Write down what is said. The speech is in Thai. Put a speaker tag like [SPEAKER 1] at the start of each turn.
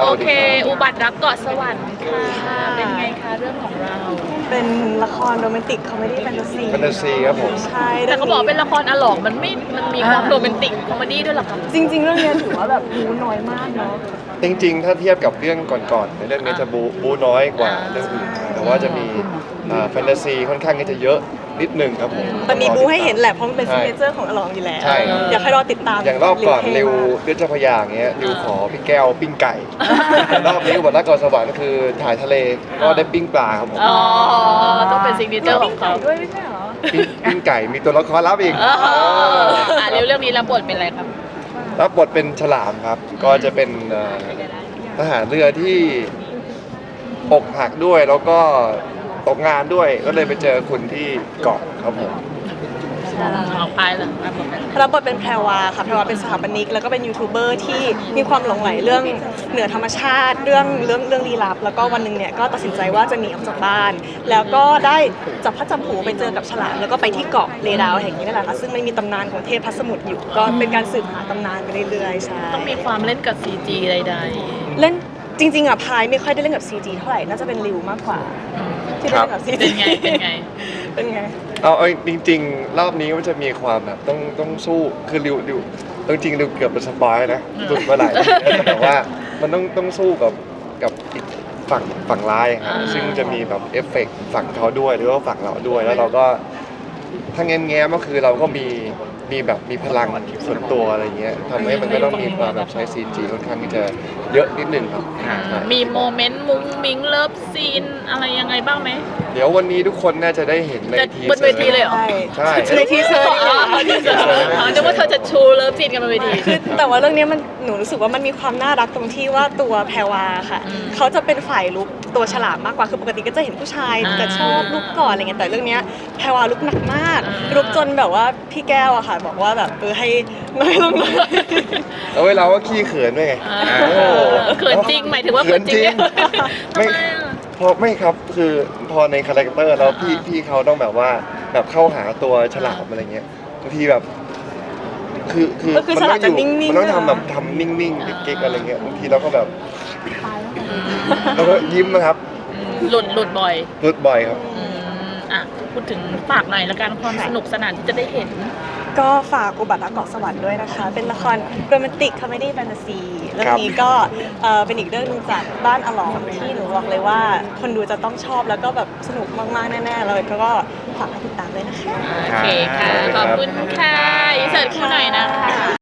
[SPEAKER 1] โอเคอุบัติรักเกาะสวรรค์ค่ะเป็นไงคะเรื่องของเรา
[SPEAKER 2] เป็นละครโรแมนติกคอมเมดี้แฟนตาซี
[SPEAKER 3] แฟนตาซีครับผม
[SPEAKER 2] ใช่
[SPEAKER 1] แต่เขาบอกเป็นละครอลองมันมีความโรแมนติกคอมเมดี้ด้วยหรอคะ
[SPEAKER 2] จริงๆเรื่องนี้ถือว่าแบบบู๊น้อยมากเนาะ
[SPEAKER 3] จริงๆถ้าเทียบกับเรื่องก่อนๆในเรื่องนี้จะบูน้อยกว่าเรื่องอื่นแต่ว่าจะมีแฟนตาซีค่อนข้างที่จะเยอะนิดนึงครับผม
[SPEAKER 2] แต่มีบู๊ให้เห็นแหละเพราะมันเป็นซิกเนเจอร์ของอลองอยู่แล้ว
[SPEAKER 3] ใช่
[SPEAKER 2] อยากให้รอติดตาม
[SPEAKER 3] อย่างรอบก่อนริว
[SPEAKER 2] มาก
[SPEAKER 3] เลือดเจ้าพระยาอย่างเงี้ยริวขอพี่แก้วปิ้งไก่แต่รอบนี้อุบัติรักเกาะสวรรค์คือถ่ายทะเลก็ได้ปิ้งปลาครับผม
[SPEAKER 1] อ๋อต้องเป็นซิกเนเจอร์ของเขา
[SPEAKER 2] ด้วยไม่ใช่เหรอ
[SPEAKER 3] ปิ้งไก่มีตัวละครลับอีก
[SPEAKER 1] เรื่องนี้รับบทเป็นอะไรครับ
[SPEAKER 3] รับบทเป็นฉลามครับ ก็จะเป็นทหารเรือที่อกหักด้วยแล้วก็ตกงานด้วยก็เลยไปเจอคุณที่เกาะครับผม
[SPEAKER 1] ของพายเหรอ
[SPEAKER 2] รับบทเป็นแพรวาค่ะแพรวาเป็นสถาปนิกแล้วก็เป็นยูทูบเบอร์ที่มีความหลงใหลเรื่องเหนือธรรมชาติเรื่องลี้ลับแล้วก็วันหนึ่งเนี่ยก็ตัดสินใจว่าจะหนีออกจากบ้าน แล้วก็ได้จับพลัดจับผลูไปเจอกับฉลามแล้วก็ไปที่เกาะเลดาวแห่งนี้นั่นแหละค่ะซึ่งมันมีตำนานของเทพพัสมุทรอยู่ก็เป็นการสืบหาตำนานไปเรื่อยๆใช่
[SPEAKER 1] ต้องมีความเล่นกับ CG ใด
[SPEAKER 2] เล่นจริงๆอ่ะพายไม่ค่อยได้เล่นกับ CG เท่าไหร่น่าจะเป็นริวมากกว่าที่ได้เล่นกับ
[SPEAKER 1] ๆ
[SPEAKER 2] CG
[SPEAKER 1] เป็นไงเป็นไง
[SPEAKER 2] เป็นไง
[SPEAKER 3] เอาจริงๆรอบนี้มันจะมีความแบบต้องสู้คือริวจริงๆริวเกือบเป็นสปอยนะหลุดมาหลายทีแล้วแต่ว่ามันต้องสู้กับอีกฝั่งร้ายครับซึ่งจะมีแบบเอฟเฟกต์ฝั่งเขาด้วยหรือว่าฝั่งเราด้วยแล้วเราก็ถ้าแง้มๆก็คือเราก็มีพลังส่วนตัวอะไรเงี้ยทำให้มันก็ต้องมีความแบบใช้ CG ค่อนข้างที่จะเยอะนิดนึงครับใช่
[SPEAKER 1] มีโมเมนต์มุ้งมิ้งเลิฟซีนอะไรยังไงบ้างไหม
[SPEAKER 3] เดี๋ยววันนี้ทุกคนน่าจะได้เห็นใน
[SPEAKER 1] จะ
[SPEAKER 3] ที
[SPEAKER 1] บนเวทีเลยเหรอ
[SPEAKER 3] ใช่
[SPEAKER 2] ในทีเซอร์นี่แหละ
[SPEAKER 1] นึกว่าเธอจะชูเลิฟซีนกันบนเวที
[SPEAKER 2] คือแต่ว่าเรื่องนี้หนูรู้สึกว่ามันมีความน่ารักตรงที่ว่าตัวแพรวาค่ะเขาจะเป็นฝ่ายลุกตัวฉลามมากกว่าคือปกติก็จะเห็นผู้ชายแต่ชอบลุกก่อนอะไรเงี้ยแต่เรื่องเนี้ยแพรวาลุกหนักมากลุกจนแบบว่าพี่แก้วอะค่ะบอกว่าแบบให้ไม่ลงเลย
[SPEAKER 3] แล้วเราก็ขี้เขินด้วยไง
[SPEAKER 1] เขินจริงหมายถึงว่าเขินจริงเนี่ย
[SPEAKER 3] ไม่ไม่ครับคือพอในคาแรคเตอร์แล้วพี่เขาต้องแบบว่าแบบเข้าหาตัวฉลามอะไรเงี้ยบางทีแบบคือ
[SPEAKER 2] ฉลามจะนิ่งๆ
[SPEAKER 3] มันต้องทำแบบทำนิ่งๆเก๊กๆอะไรเงี้ยบางทีเราก็แบบแล้วก็ยิ้มนะครับ
[SPEAKER 1] หลุดบ่อย
[SPEAKER 3] รุดบ่อยครับ
[SPEAKER 1] อ่ะพูดถึงฝากหน่อยละกันความสนุกสนานที่จะได้เห็น
[SPEAKER 2] ก็ฝากอุบัติรักเกาะสวรรค์ด้วยนะคะ เป็นละครโรแมนติกคอมเมดี้แฟนตาซีเรื่องนี้ก็เป็นอีกเรื่องหนึงจากบ้านอลองที่หนูบอกเลยว่าคนดูจะต้องชอบแล้วก็แบบสนุกมากๆแน่ๆเลยก็ฝากให้ติดตามด้วยนะคะ
[SPEAKER 1] โอเคค่ะ ขอบคุณค่ะอินเสิร์ตคู่หน่อยนะคะ